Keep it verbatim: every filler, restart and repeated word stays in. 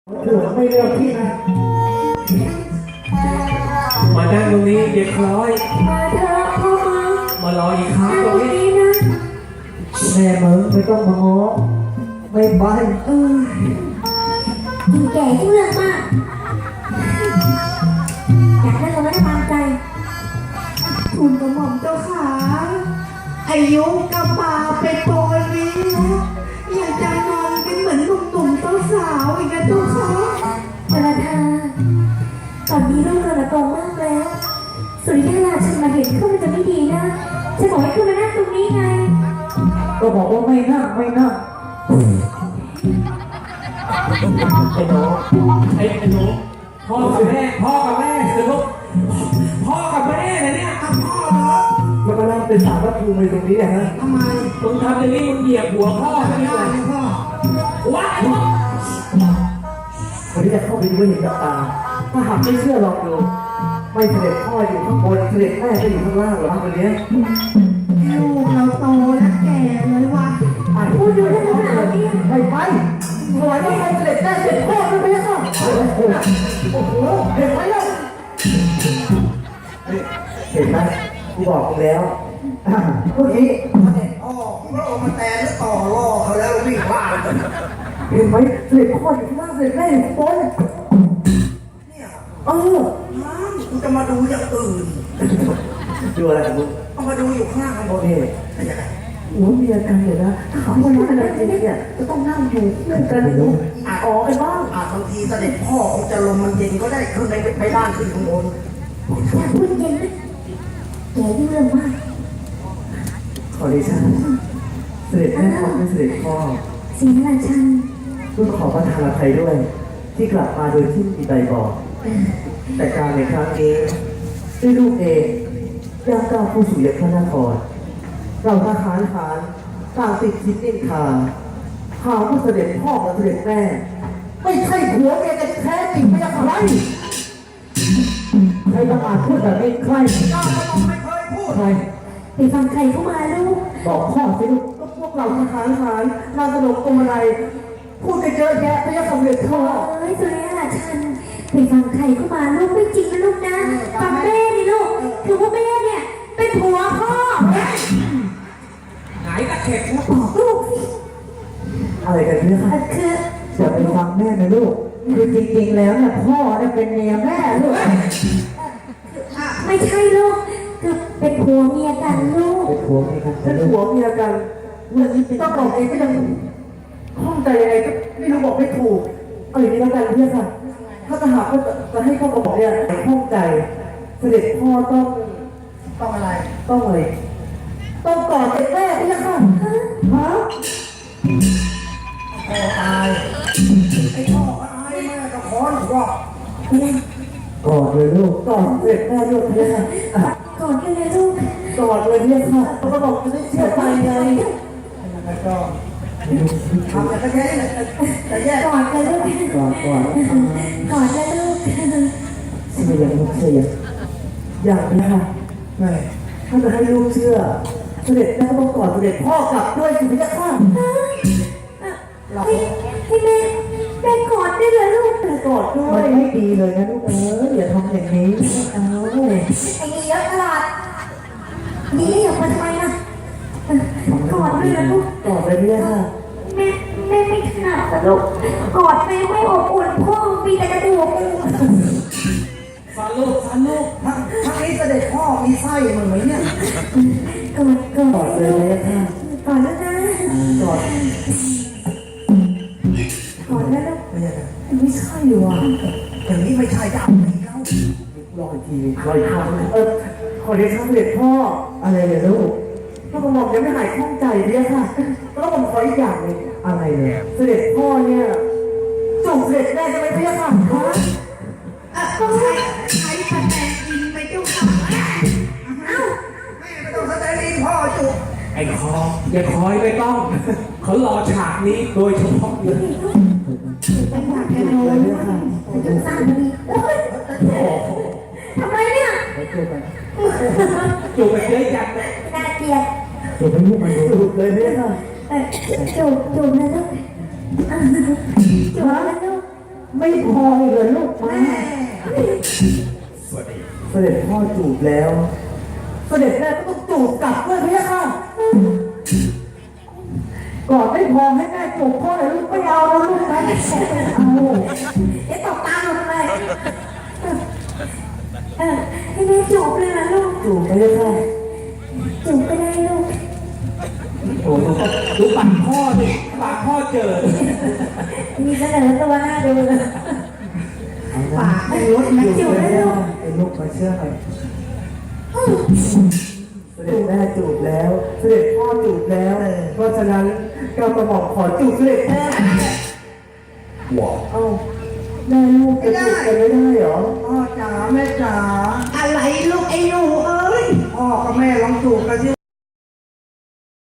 ถือว่าไม่เลือกพี่นะมานั่งตรงนี้เด็กร้อยมาเถอะพ่อมามารออีกครั้งตรงนี้นะแม่มึงไม่ต้องมาง้อไม่ไปเออยิ่งแก่ยิ่งเรื่องมากอยากได้ก็ไม่ได้ตามใจทุนกระหม่อมเจ้าขาอายุกระปาเป็นโปรยนี้แล้วอยากจะนอนเป็นเหมือนหนุ่มๆสาวๆอีกนะเจ้าค่ะเวลาทาตอนนี้ลูกกระโตมากแล้วสุริยะราชันมาเห็นเข้ามันจะไม่ดีนะฉันบอกให้คุณมานั่งตรงนี้ไงก็บอกว่าไม่นั่งไม่นั่งไอ้หนูไอ้ไอ้หนูพ่อกับแม่พ่อกับแม่คือลูกพ่อกับแม่นะเนี่ยพ่อเหรอมันมานั่งเป็นสาวพระภูมิตรงนี้นะฮะทำไมมึงทำอย่างนี้มึงเหยียบหัวพ่อใช่ไหมพ่อว้ายคนที่จะเข้าไปดูเห็นกับตาถ้าหากไม่เชื่อลองดูไม่เสด็จพ่ออยู่ข้างบนเสด็จแม่ก็อยู่ข้างล่างหรอคนนี้ลูกเราโตและแก่เลยว่ะพูดอยู่ได้ขนาดนี้ไปไปถวายให้เสด็จแม่เสด็จพ่อด้วยไหมครับโอ้โหเห็นไหมล่ะเห็นไหมกูบอกมึงแล้วเมื่อกี้อ๋อพระองค์มาแต่แล้วต่อล่อเขาแล้ววิ่งพลาดเห็นไหมเสด็จพ่ออยู่ข้างล่างเสด็จแม่อยู่ข้างบนเนี่ยเออน้ำกูจะมาดูอย่างอื่นดูอะไรของมึงเอามาดูอยู่ข้างล่างข้างบนนี่โอ้เมียกันเลยนะถ้าเขาไม่รู้อะไรจริงเนี่ยจะต้องนั่งอยู่เพื่อนกันดูอาจออกกันบ้างอาจบางทีเสด็จพ่อคงจะลมมันเย็นก็ได้ขึ้นไปไปบ้านขึ้นข้างบนอยากพูดเย็นนะแก่ยิ่งเรื่องมากขอดิฉันเสด็จแม่ขอเป็นเสด็จพ่อสิงห์ราชันลูกขอประทานอภัยด้วยที่กลับมาโดยที่มีใดบอกแต่การในครั้งนี้ด้วยลูกเองย่างก้าวผู้สู่ยพระนครเราทหารทหารต่างติดคิดนินทาหาว่าเสด็จพ่อกับเสด็จแม่ไม่ใช่ผัวเมียกันแท้จริงไม่ใช่ใครใครประมาทพูดแบบนี้ใครก้าวก็ต้องไม่เคยพูดใครไปฟังใครเข้ามาลูกบอกพ่อสิลูกก็พวกเราทหารทหารนางสนมตัวอะไรพูดกันเยอะแยะไม่ใช่สำเร็จพ่อเอ้ยสุริยะราชันไปฟังใครเข้ามาลูกไม่จริงนะลูกนะฟังแม่นี่ลูกคือว่าแม่เนี่ยเป็นผัวพ่อหายตะเข็บแล้วบอกลูกสิอะไรกันเนี่ยคะคืออย่าไปฟังแม่นะลูกคือจริงๆแล้วเนี่ยพ่อเนี่ยเป็นเมียแม่ลูกไม่ใช่ลูกคือเป็นผัวเมียกันลูกเป็นผัวเมียกันเป็นผัวเมียกันเรื่องนี้ต้องบอกเองก็ยังข้องใจยังไงก็ไม่รู้บอกไม่ถูกเอาอย่างนี้แล้วกันเพื่อนค่ะถ้าจะหากว่าจะให้พ่อกระบอกเนี่ยข้องใจเสด็จพ่อต้องต้องอะไรต้องอะไรต้องกอดเด็กแม่พี่ค่ะฮะพ่อตายไอ้พ่อตายแม่ก็ขอนกอดกอดเลยลูกกอดเด็กแม่ลูกพี่ค่ะกอดกันเลยลูกกอดเลยพี่ค่ะเขาก็บอกจะได้เชื่อใจไงแล้วก็ทำอะไรก็แค่นี้แต่แย่กอดกันลูกกอดกอดกอดกันลูกเชื่อยังลูกเชื่อยังอย่างนี้ค่ะแม่ถ้าจะให้ลูกเชื่อเสด็จแม่ก็ต้องกอดเสด็จพ่อกลับด้วยสิพี่ค่ะให้ให้แม่แม่กอดได้เลยลูกแต่กอดด้วยมันไม่ดีเลยนะลูกเอออย่าทำอย่างนี้เอาไอ้นี่เยอะตลอดนี่อย่ามาทำไมนะกอดด้วยนะลูกกอดไปเรื่อยค่ะแม่แม่ไม่ถนัดลูกกอดแม่ไม่อบอุ่นพ่อมีแต่กระดูกฟันลูกฟันลูกทั้งทั้งนี้เสด็จพ่อมีไส้มึงไหมเนี่ยกอดกอดเลยค่ะกอดแล้วนะกอดกอดแล้วไม่ใช่หรออย่างนี้ไม่ใช่จะเอาไหนเล่ารออีกทีรออีกครั้งเออขอเรียนเสด็จพ่ออะไรเนี่ยลูกถ้ากระหม่อมยังไม่หายข้องใจเนี่ยค่ะแล้วผมขออีกอย่างนึงอะไรเนี่ยเสด็จพ่อเนี่ยจุกเสด็จแม่จะไม่เพี้ยค่ะก็ใช้ใช้คะแนนอินไปเจ้าค่ะเอ้าแม่ไม่ต้องแสดงอินพ่อจุกไอ้คออย่าคอยไม่ต้องเขารอฉากนี้โดยเฉพาะเลยเป็นฉากแค่โน้นค่ะจุกสั้นดีทำไมเนี่ยจูบไปเยอะจังน่าเกลียดจูบไปลูกมันจูบเลยเนี่ยค่ะจูบจูบนะลูกจูบนะลูกไม่พออีกเลยลูกมาเสด็จพ่อจูบแล้ว เสด็จแม่ก็ต้องจูบกลับด้วยพี่ค่ะก่อนไม่พอให้แม่จูบพ่อเลยลูกไม่เอาแล้วลูกนะเอาเอ๊ะตบตาหนูทำไมเออให้แม่จูบเลยนะลูกจูบไปเลยค่ะจูบก็ได้ลูกโอ้โหดูปากพ่อดิปากพ่อเจอมีเสนอตัวหน้าดูเลยปากให้รถนะจูบเลยไอ้ลูกมาเชื่อหน่อยเสด็จแม่จูบแล้ว เสด็จพ่อจูบแล้ว เพราะฉะนั้นเรากระหม่อมขอจูบเสด็จแม่ว้าวเอ้าแม่ลูกจะจูบกันไม่ได้เหรอพ่อจ๋าแม่จ๋าอะไรลูกไอ้หนูเอ้ยพ่อกับแม่ลองจูบกันสิ